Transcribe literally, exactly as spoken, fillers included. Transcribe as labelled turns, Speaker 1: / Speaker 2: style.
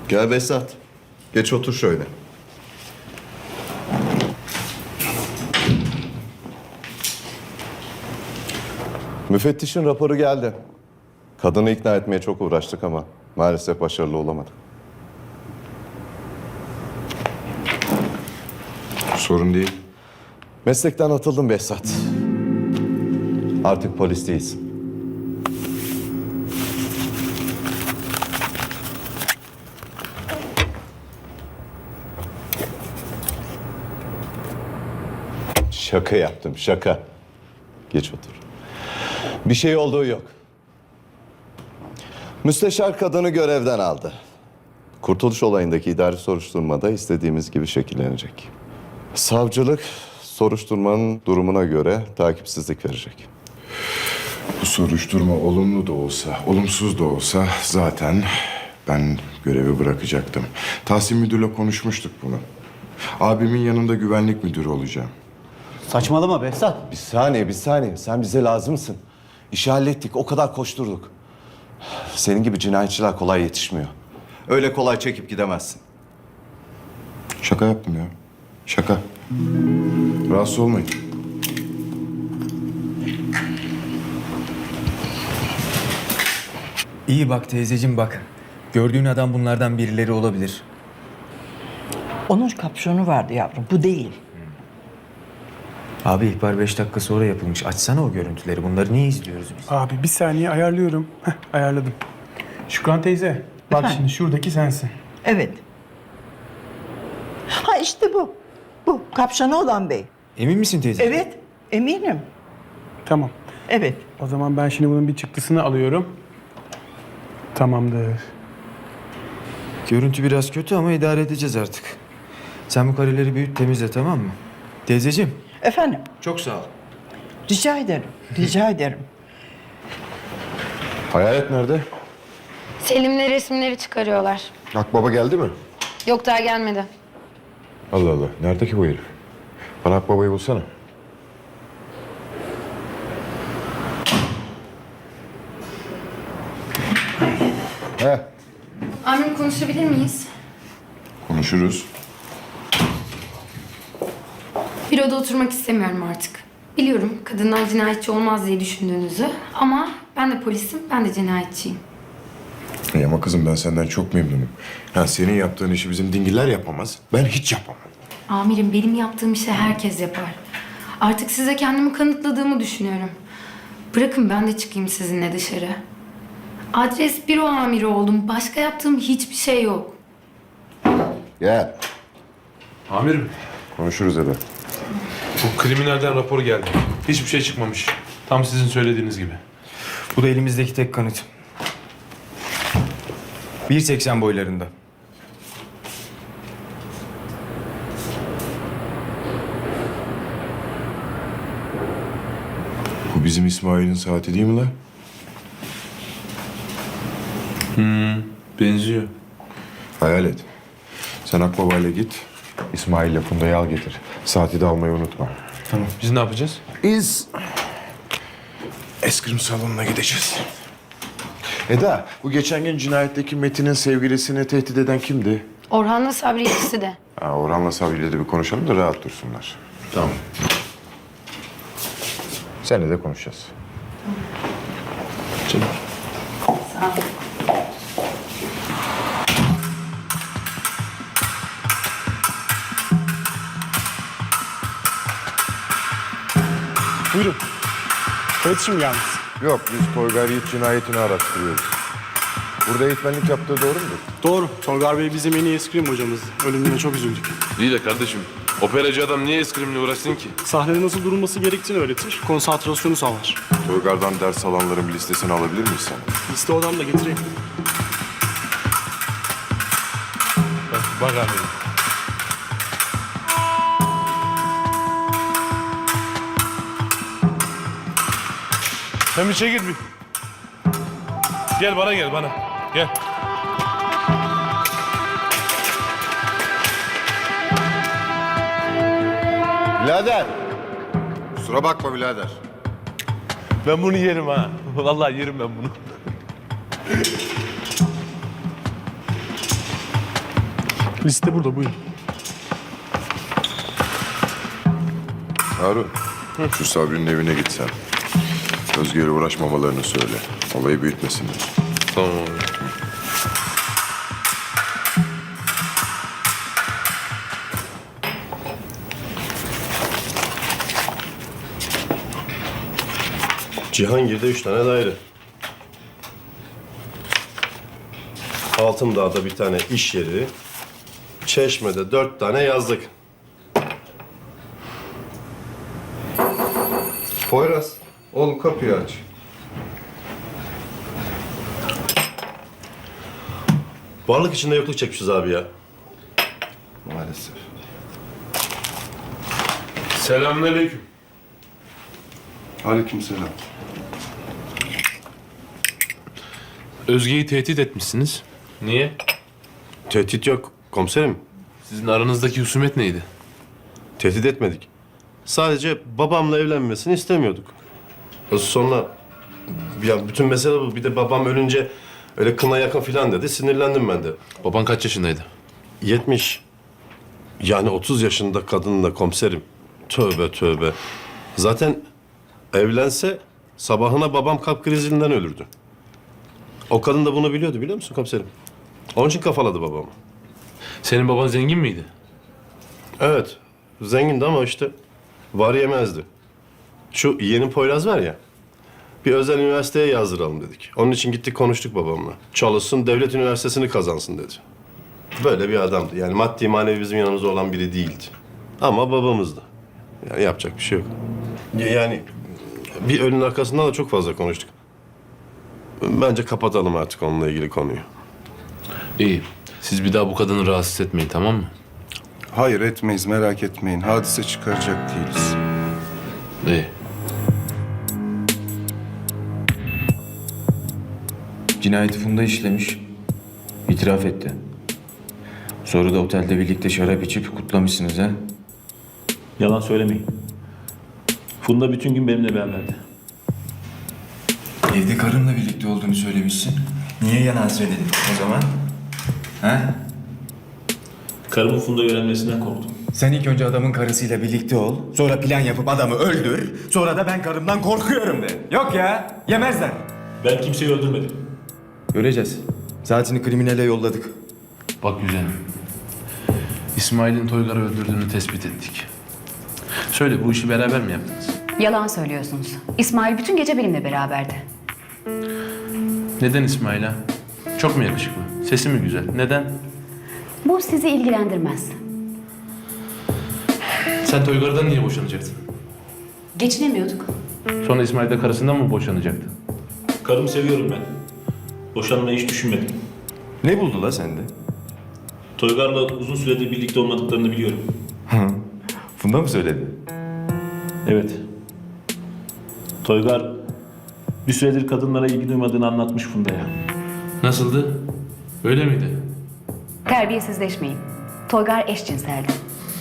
Speaker 1: Gel Behzat. Geç otur şöyle. Müfettişin raporu geldi. Kadını ikna etmeye çok uğraştık ama maalesef başarılı olamadık.
Speaker 2: Sorun değil.
Speaker 1: Meslekten atıldım Behzat. Artık polis değilsin. Şaka yaptım, şaka. Geç otur. Bir şey olduğu yok. Müsteşar kadını görevden aldı. Kurtuluş olayındaki idari soruşturmada istediğimiz gibi şekillenecek. Savcılık soruşturmanın durumuna göre takipsizlik verecek.
Speaker 2: Bu soruşturma olumlu da olsa, olumsuz da olsa zaten ben görevi bırakacaktım. Tahsin Müdür'le konuşmuştuk bunu. Abimin yanında güvenlik müdürü olacağım.
Speaker 3: Saçmalama Behzat.
Speaker 1: Bir saniye, bir saniye. Sen bize lazımsın. İşi hallettik, o kadar koşturduk. Senin gibi cinayetçiler kolay yetişmiyor. Öyle kolay çekip gidemezsin.
Speaker 2: Şaka yaptım ya. Şaka. Rahatsız olmayın.
Speaker 4: İyi bak teyzeciğim bak. Gördüğün adam bunlardan birileri olabilir.
Speaker 5: Onun kapşonu vardı yavrum, bu değil.
Speaker 4: Abi ihbar beş dakika sonra yapılmış. Açsana o görüntüleri. Bunları niye izliyoruz biz?
Speaker 6: Abi bir saniye ayarlıyorum. Heh, ayarladım. Şükran teyze, bak
Speaker 5: Efendim?
Speaker 6: şimdi şuradaki sensin.
Speaker 5: Evet. Ha işte bu. Bu, kapşonu olan bey.
Speaker 4: Emin misin teyze?
Speaker 5: Evet, eminim.
Speaker 6: Tamam.
Speaker 5: Evet.
Speaker 6: O zaman ben şimdi bunun bir çıktısını alıyorum. Tamamdır.
Speaker 4: Görüntü biraz kötü ama idare edeceğiz artık. Sen bu kareleri büyüt temizle, tamam mı? Teyzeciğim.
Speaker 5: Efendim,
Speaker 4: Çok sağ ol.
Speaker 5: rica ederim, rica ederim.
Speaker 2: Hayalet nerede?
Speaker 7: Selim'le resimleri çıkarıyorlar.
Speaker 2: Akbaba geldi mi?
Speaker 7: Yok daha gelmedi.
Speaker 2: Allah Allah. Nerede ki bu herif? Bana Akbaba'yı bulsana. He.
Speaker 7: Amirim konuşabilir miyiz?
Speaker 2: Konuşuruz.
Speaker 7: Büroda oturmak istemiyorum artık. Biliyorum kadınlar cinayetçi olmaz diye düşündüğünüzü ama ben de polisim, ben de cinayetçiyim.
Speaker 2: İyi ama kızım ben senden çok memnunum. Ha, senin yaptığın işi bizim dingiller yapamaz. Ben hiç yapamam.
Speaker 7: Amirim benim yaptığım işi herkes yapar. Artık size kendimi kanıtladığımı düşünüyorum. Bırakın ben de çıkayım sizinle dışarı. Adres büro amiri oldum. Başka yaptığım hiçbir şey yok.
Speaker 2: Gel.
Speaker 8: Amirim,
Speaker 2: Konuşuruz Ebe.
Speaker 8: bu kriminalden rapor geldi. Hiçbir şey çıkmamış. Tam sizin söylediğiniz gibi.
Speaker 4: Bu da elimizdeki tek kanıt. bir seksen boylarında.
Speaker 2: Bu bizim İsmail'in saati değil mi lan?
Speaker 8: Benziyor.
Speaker 2: Hayal et. Sen Akbaba'yla git. İsmail'le Funda'yı al getir. Saati de almayı unutma.
Speaker 8: Tamam. Biz ne yapacağız?
Speaker 2: Biz eskrim salonuna gideceğiz. Eda, bu geçen gün cinayetteki Metin'in sevgilisini tehdit eden kimdi?
Speaker 7: Orhan'la Sabri ikisi de.
Speaker 2: Ha, Orhan'la Sabri'yle de bir konuşalım da rahat dursunlar.
Speaker 8: Tamam.
Speaker 2: Seninle de konuşacağız.
Speaker 8: Canım.
Speaker 6: Buyurun. İletişim gelmiş.
Speaker 2: Yok, biz Toygar Yiğit cinayetini araştırıyoruz. Burada eğitmenlik yaptığı doğru mudur?
Speaker 6: Doğru. Tolgar Bey bizim en iyi eskrim hocamız. Ölümüne çok üzüldük.
Speaker 8: İyi de kardeşim, operacı adam niye eskrimle uğraşsın ki?
Speaker 6: Sahnede nasıl durulması gerektiğini öğretir. Konsantrasyonu sağlar.
Speaker 2: Toygar'dan ders alanların bir listesini alabilir miyiz sen?
Speaker 6: Liste odamda getireyim.
Speaker 8: Bak, bak amirim. Sen bir çekil bir. Gel bana gel bana. Gel.
Speaker 2: Birader! Kusura bakma birader.
Speaker 8: Ben bunu yerim ha. Vallahi yerim ben bunu.
Speaker 6: Liste burada, buyurun.
Speaker 2: Harun, şu Sabri'nin evine gitsen. Özge'yle uğraşmamalarını söyle. Olayı büyütmesinler.
Speaker 8: Tamam abi.
Speaker 9: Cihangir'de üç tane daire. Altındağ'da bir tane iş yeri. Çeşme'de dört tane yazlık.
Speaker 1: Poyraz, oğlum kapıyı aç.
Speaker 9: Varlık içinde yokluk çekmişiz abi ya.
Speaker 1: Maalesef.
Speaker 8: Selamünaleyküm.
Speaker 1: Aleykümselam.
Speaker 8: Özge'yi tehdit etmişsiniz. Niye?
Speaker 9: Tehdit yok komiserim.
Speaker 8: Sizin aranızdaki husumet neydi?
Speaker 9: Tehdit etmedik. Sadece babamla evlenmesini istemiyorduk. Sonra ya bütün mesele bu. Bir de babam ölünce öyle kına yakın filan dedi. Sinirlendim ben de.
Speaker 8: Baban kaç yaşındaydı?
Speaker 9: yetmiş. Yani otuz yaşında kadınla komiserim. Tövbe tövbe. Zaten evlense sabahına babam kalp krizinden ölürdü. O kadın da bunu biliyordu biliyor musun komiserim? Onun için kafaladı babamı.
Speaker 8: Senin baban zengin miydi?
Speaker 9: Evet, zengindi ama işte var yemezdi. Şu yeğenim Poyraz var ya, bir özel üniversiteye yazdıralım dedik. Onun için gittik konuştuk babamla. Çalışsın, devlet üniversitesini kazansın dedi. Böyle bir adamdı. Yani maddi manevi bizim yanımızda olan biri değildi. Ama babamızdı. Yani yapacak bir şey yok. Ya- Yani bir ölünün arkasından da çok fazla konuştuk. Bence kapatalım artık onunla ilgili konuyu.
Speaker 8: İyi. Siz bir daha bu kadını rahatsız etmeyin, tamam mı?
Speaker 10: Hayır etmeyiz, merak etmeyin. Hadise çıkaracak değiliz.
Speaker 8: İyi.
Speaker 4: Cinayeti Funda işlemiş. İtiraf etti. Sonra da otelde birlikte şarap içip kutlamışsınız ha?
Speaker 11: Yalan söylemeyin. Funda bütün gün benimle beraberdi.
Speaker 4: Evde karınla birlikte olduğunu söylemişsin. Niye yalan söyledin o zaman? Ha?
Speaker 11: Karımın Funda'yı öğrenmesinden korktum.
Speaker 4: Sen ilk önce adamın karısıyla birlikte ol. Sonra plan yapıp adamı öldür. Sonra da ben karımdan korkuyorum de. Yok ya, yemezler.
Speaker 11: Ben kimseyi öldürmedim.
Speaker 4: Göreceğiz. Saatini kriminale yolladık.
Speaker 8: Bak güzelim. İsmail'in Toygar'ı öldürdüğünü tespit ettik. Söyle, bu işi beraber mi yaptınız?
Speaker 12: Yalan söylüyorsunuz. İsmail bütün gece benimle beraberdi.
Speaker 8: Neden İsmail ha? Çok mu yakışıklı? Sesi mi güzel? Neden?
Speaker 12: Bu sizi ilgilendirmez.
Speaker 8: Sen Toygar'dan niye boşanacaktın?
Speaker 12: Geçinemiyorduk.
Speaker 8: Sonra İsmail de karısından mı boşanacaktı?
Speaker 11: Karımı seviyorum ben. Boşanmayı hiç düşünmedim.
Speaker 4: Ne buldu la sende?
Speaker 11: Toygar'la uzun süredir birlikte olmadıklarını biliyorum.
Speaker 4: Funda mı söyledi?
Speaker 11: Evet. Toygar bir süredir kadınlara ilgi duymadığını anlatmış Funda'ya.
Speaker 8: Nasıldı? Öyle miydi?
Speaker 12: Terbiyesizleşmeyin. Toygar eşcinseldi.